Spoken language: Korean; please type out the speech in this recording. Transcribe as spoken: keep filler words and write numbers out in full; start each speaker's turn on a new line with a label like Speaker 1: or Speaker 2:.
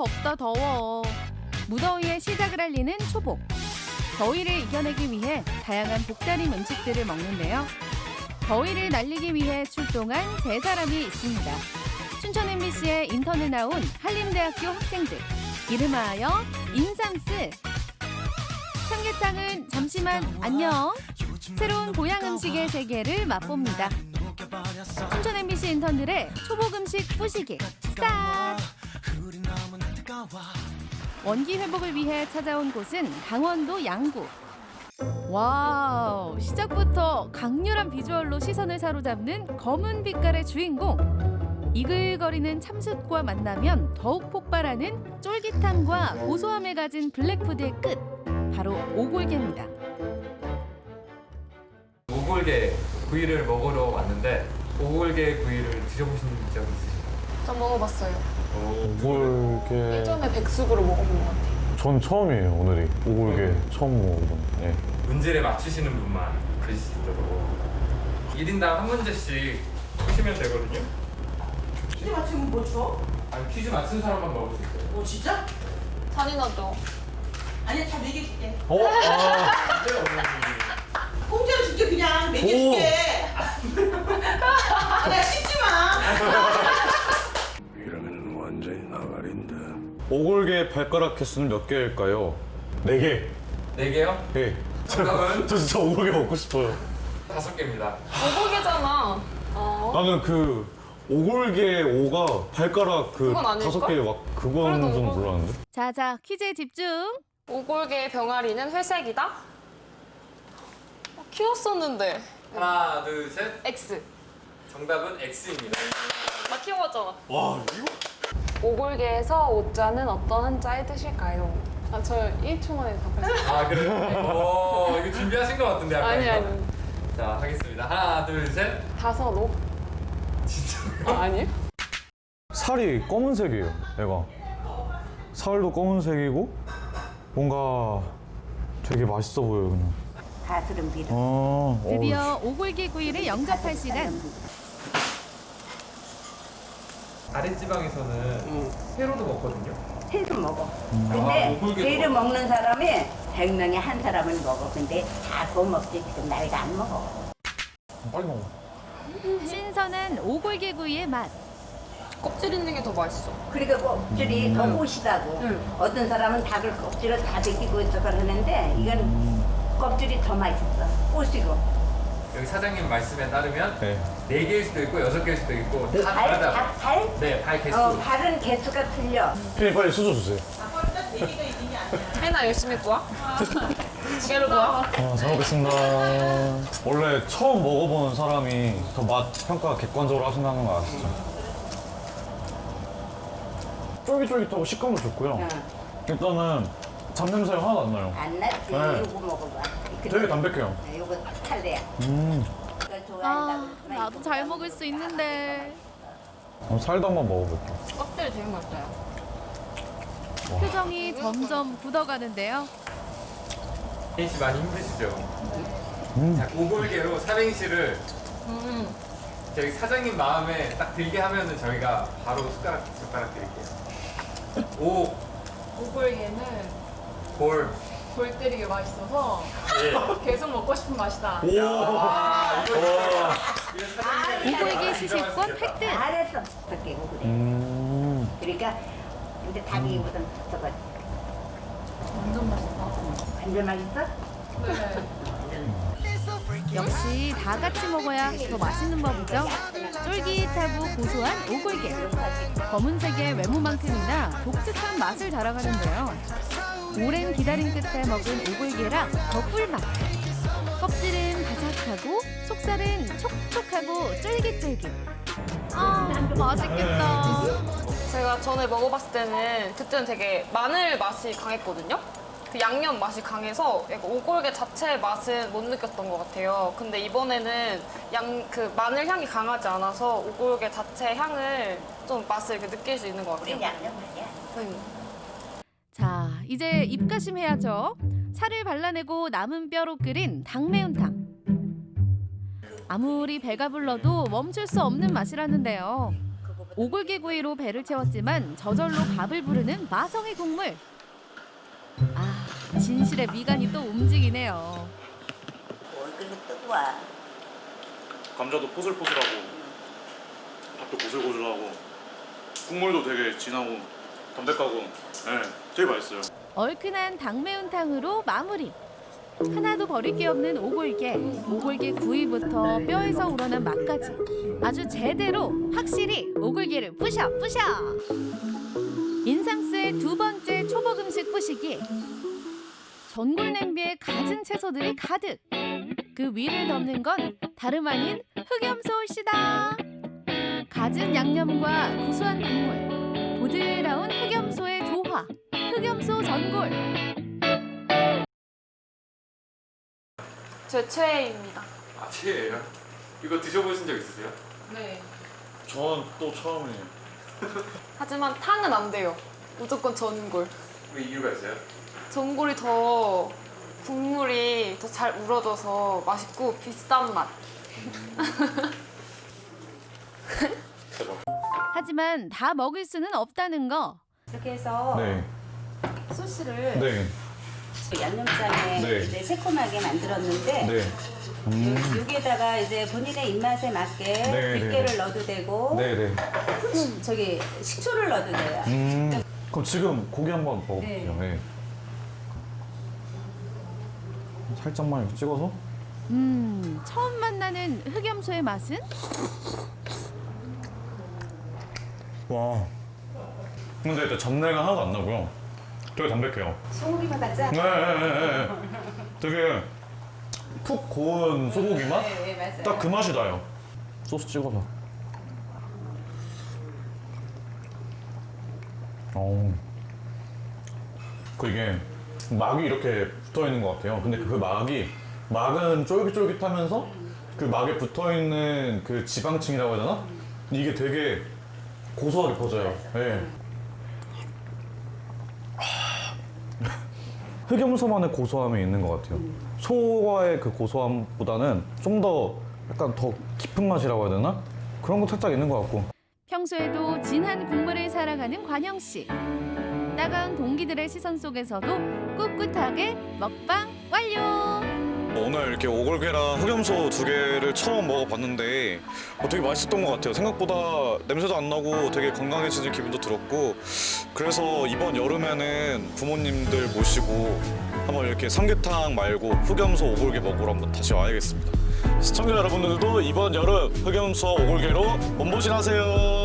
Speaker 1: 덥다 더워. 무더위에 시작을 알리는 초복. 더위를 이겨내기 위해 다양한 복다림 음식들을 먹는데요. 더위를 날리기 위해 출동한 세 사람이 있습니다. 춘천 엠비씨의 인턴에 나온 한림대학교 학생들. 이름하여 인삼스. 삼계탕은 잠시만 안녕. 새로운 고향 음식의 세계를 맛봅니다. 춘천 엠비씨 인턴들의 초복 음식 뿌시기 스타트! 원기 회복을 위해 찾아온 곳은 강원도 양구. 와우, 시작부터 강렬한 비주얼로 시선을 사로잡는 검은 빛깔의 주인공. 이글거리는 참숯과 만나면 더욱 폭발하는 쫄깃함과 고소함을 가진 블랙푸드의 끝, 바로 오골계입니다.
Speaker 2: 오골계 구이를 먹으러 왔는데 오골계 구이를 드셔보신 적 있으신가요?
Speaker 3: 전 먹어봤어요.
Speaker 4: 오골계.
Speaker 3: 예전에 백숙으로 먹어본 것 같아요.
Speaker 4: 전 처음이에요, 오늘이. 오골계 처음 먹어본. 네.
Speaker 2: 문제를 맞추시는 분만 드실 수 있도록 일 인당 한 문제씩 푸시면 되거든요.
Speaker 5: 퀴즈 맞추면 뭐 줘?
Speaker 2: 아니, 퀴즈 맞춘 사람만 먹을 수 있어요.
Speaker 5: 뭐 진짜?
Speaker 3: 잔인하죠?
Speaker 5: 아니 다 먹여줄게.
Speaker 4: 어? 아.
Speaker 2: 네, 어머니.
Speaker 5: 공짜로 줄게 그냥 먹여줄게. 아, 내가 씹지 마.
Speaker 6: 이러면 완전히 나가린다.
Speaker 4: 오골계 발가락 개수는 몇 개일까요? 네 개.
Speaker 2: 네 개요?
Speaker 4: 네.
Speaker 2: 정답은?
Speaker 4: 저 진짜 오골계 먹고 싶어요.
Speaker 2: 다섯 개입니다.
Speaker 3: 오골계잖아. 어.
Speaker 4: 나는 그 오골계 오가 발가락 그
Speaker 3: 그건 아닐걸?
Speaker 4: 다섯 개 막 그건
Speaker 3: 그래도
Speaker 4: 좀
Speaker 3: 오골-
Speaker 4: 몰랐는데.
Speaker 1: 자자, 퀴즈에 집중.
Speaker 3: 오골계 병아리는 회색이다? 어, 키웠었는데.
Speaker 2: 하나, 둘, 셋.
Speaker 3: X.
Speaker 2: 정답은 X입니다.
Speaker 3: 나 키워봤잖아.
Speaker 4: 와, 이거?
Speaker 3: 오골계에서 오자는 어떤 한자의 뜻일까요? 아, 저 일 초 만에 답했어요.
Speaker 2: 아, 그래요? 오, 이거 준비하신 것 같은데, 아까
Speaker 3: 아니,
Speaker 2: 이거?
Speaker 3: 아니.
Speaker 2: 자, 하겠습니다. 하나, 둘, 셋.
Speaker 3: 다서로?
Speaker 2: 진짜.
Speaker 3: 아, 아니요?
Speaker 4: 살이 검은색이에요, 얘가. 살도 검은색이고 뭔가 되게 맛있어 보여요, 그냥.
Speaker 7: 가스름 비름.
Speaker 4: 어,
Speaker 1: 드디어 오골계 구이를 영접할 시간.
Speaker 2: 아랫지방에서는 회로도 먹거든요.
Speaker 7: 회도 먹어.
Speaker 2: 아,
Speaker 7: 근데
Speaker 2: 오골계
Speaker 7: 회를
Speaker 2: 먹어.
Speaker 7: 먹는 사람이 백 명에 한 사람은 먹어. 근데 다 그거 먹지 지금 나이가 안 먹어.
Speaker 4: 빨리 먹어.
Speaker 1: 신선한 오골계 구이의 맛.
Speaker 3: 껍질 있는 게 더 맛있어.
Speaker 7: 그러니까 껍질이 더 꼬시다고.
Speaker 3: 응.
Speaker 7: 어떤 사람은 닭을 껍질을 다 벗기고 있어서 그러는데 이건 껍질이 더 맛있어. 꼬시고.
Speaker 2: 여기 사장님 말씀에 따르면
Speaker 4: 네.
Speaker 2: 네 개일 수도 있고 여섯 개일 수도 있고 다
Speaker 7: 발,
Speaker 2: 다르다고.
Speaker 7: 닭 발?
Speaker 2: 네, 발 개수.
Speaker 7: 어, 발은 개수가 틀려.
Speaker 4: 피디 빨리 수저 주세요.
Speaker 5: 아빠는 네 개가 있는 게 아니야.
Speaker 3: 해나 열심히 구워? 두 개를 구워?
Speaker 4: 아, 잘 먹겠습니다. 원래 처음 먹어보는 사람이 더 맛 평가 객관적으로 하신다는 거 아시죠? 쫄깃쫄깃하고 식감도 좋고요.
Speaker 7: 응.
Speaker 4: 일단은 잡냄새가 하나도 안 나요.
Speaker 7: 안 낫지.
Speaker 4: 네.
Speaker 7: 이거 먹어봐.
Speaker 4: 되게 담백해요.
Speaker 7: 네, 이거 탈래야.
Speaker 4: 음.
Speaker 7: 이거 좋아한다고.
Speaker 1: 아, 나도 잘 먹을 수 있는데.
Speaker 4: 그럼 살도 한번 먹어볼게요.
Speaker 3: 껍질 되게 맛있어요.
Speaker 1: 표정이 점점 굳어가는데요.
Speaker 2: 혜인 씨 많이 힘드시죠?
Speaker 4: 음.
Speaker 2: 자, 오골계로 삼행시를
Speaker 3: 음.
Speaker 2: 저희 사장님 마음에 딱 들게 하면은 저희가 바로 숟가락 숟가락 드릴게요. 오,
Speaker 8: 오골계는
Speaker 2: 골,
Speaker 8: 골 때리게 맛있어서
Speaker 2: 예.
Speaker 8: 계속 먹고 싶은 맛이다.
Speaker 4: 오!
Speaker 2: 아, 이거 진짜 이거 사장님이
Speaker 1: 오골계
Speaker 2: 인정할
Speaker 1: 시식권
Speaker 2: 수 있겠다.
Speaker 1: 획득.
Speaker 7: 잘했어. 어떻게 그래.
Speaker 4: 음.
Speaker 7: 그러니까 이제 닭이 이거든 붙어가지고.
Speaker 8: 완전 맛있다.
Speaker 7: 완전 맛있어?
Speaker 8: 네.
Speaker 1: 역시 다 같이 먹어야 더 맛있는 법이죠. 쫄깃하고 고소한 오골계. 검은색의 외모만큼이나 독특한 맛을 자랑하는데요. 오랜 기다림 끝에 먹은 오골계라 더 꿀맛. 껍질은 바삭하고 속살은 촉촉하고 쫄깃쫄깃. 아, 맛있겠다.
Speaker 3: 제가 전에 먹어봤을 때는 그때는 되게 마늘 맛이 강했거든요. 그 양념 맛이 강해서 약간 오골계 자체의 맛은 못 느꼈던 것 같아요. 근데 이번에는 양 그 마늘 향이 강하지 않아서 오골계 자체 향을 좀 맛을 이렇게 느낄 수 있는 것 같아요.
Speaker 7: 우리 양념 아니야?
Speaker 3: 음.
Speaker 1: 자, 이제 입가심 해야죠. 살을 발라내고 남은 뼈로 끓인 닭매운탕. 아무리 배가 불러도 멈출 수 없는 맛이라는데요. 오골계 구이로 배를 채웠지만 저절로 밥을 부르는 마성의 국물. 아, 진실의 미간이 또 움직이네요.
Speaker 7: 얼굴이 뜨거워.
Speaker 4: 감자도 포슬포슬하고 밥도 고슬고슬하고 국물도 되게 진하고 담백하고 네, 되게 맛있어요.
Speaker 1: 얼큰한 닭매운탕으로 마무리. 하나도 버릴 게 없는 오골계. 오골계 구이부터 뼈에서 우러난 맛까지. 아주 제대로 확실히 오골계를 부셔 부셔. 인삼스의 두 번째 초복 음식 부시기. 전골 냄비에 갖은 채소들이 가득. 그 위를 덮는 건 다름 아닌 흑염소시다. 갖은 양념과 구수한 국물, 보드라운 흑염소의 조화, 흑염소 전골.
Speaker 3: 제 최애입니다.
Speaker 2: 아, 최애예요? 이거 드셔보신 적 있으세요?
Speaker 8: 네.
Speaker 4: 전 또 처음이에요.
Speaker 3: 하지만 탕은 안 돼요. 무조건 전골.
Speaker 2: 왜 이유가 있어요?
Speaker 3: 전골이 더 국물이 더 잘 우러져서 맛있고 비싼 맛.
Speaker 1: 하지만 다 먹을 수는 없다는 거.
Speaker 7: 이렇게 해서
Speaker 4: 네.
Speaker 7: 소스를
Speaker 4: 네.
Speaker 7: 양념장에
Speaker 4: 네.
Speaker 7: 이제 새콤하게 만들었는데
Speaker 4: 네. 음.
Speaker 7: 여기에다가 이제 본인의 입맛에 맞게
Speaker 4: 네,
Speaker 7: 들깨를
Speaker 4: 네.
Speaker 7: 넣어도 되고
Speaker 4: 네, 네.
Speaker 7: 후추, 저기 식초를 넣어도 돼요.
Speaker 4: 음. 그럼 지금 고기 한번 먹어볼게요. 네. 살짝만 이렇게 찍어서.
Speaker 1: 음, 처음 만나는 흑염소의 맛은?
Speaker 4: 와. 근데 일단 잡내가 하나도 안 나고요. 되게 담백해요.
Speaker 7: 소고기만 같지?
Speaker 4: 네, 네, 네, 네. 되게 푹 고운 소고기 맛?
Speaker 7: 네, 네, 맞아요.
Speaker 4: 딱 그 맛이 나요. 소스 찍어서. 어. 그 이게 막이 이렇게 붙어 있는 것 같아요. 근데 그 막이 막은 쫄깃쫄깃하면서 그 막에 붙어 있는 그 지방층이라고 해야 되나? 이게 되게 고소하게 퍼져요. 네. 흑염소만의 고소함이 있는 것 같아요. 소와의 그 고소함보다는 좀 더 약간 더 깊은 맛이라고 해야 되나? 그런 거 살짝 있는 것 같고.
Speaker 1: 평소에도 진한 국물을 사랑하는 관영 씨. 따가운 동기들의 시선 속에서도 꿋꿋하게 먹방 완료.
Speaker 4: 오늘 이렇게 오골계랑 흑염소 두 개를 처음 먹어봤는데 어, 되게 맛있었던 것 같아요. 생각보다 냄새도 안 나고 되게 건강해지는 기분도 들었고, 그래서 이번 여름에는 부모님들 모시고 한번 이렇게 삼계탕 말고 흑염소 오골계 먹으러 한번 다시 와야겠습니다. 시청자 여러분들도 이번 여름 흑염소 오골계로 몸보신 하세요.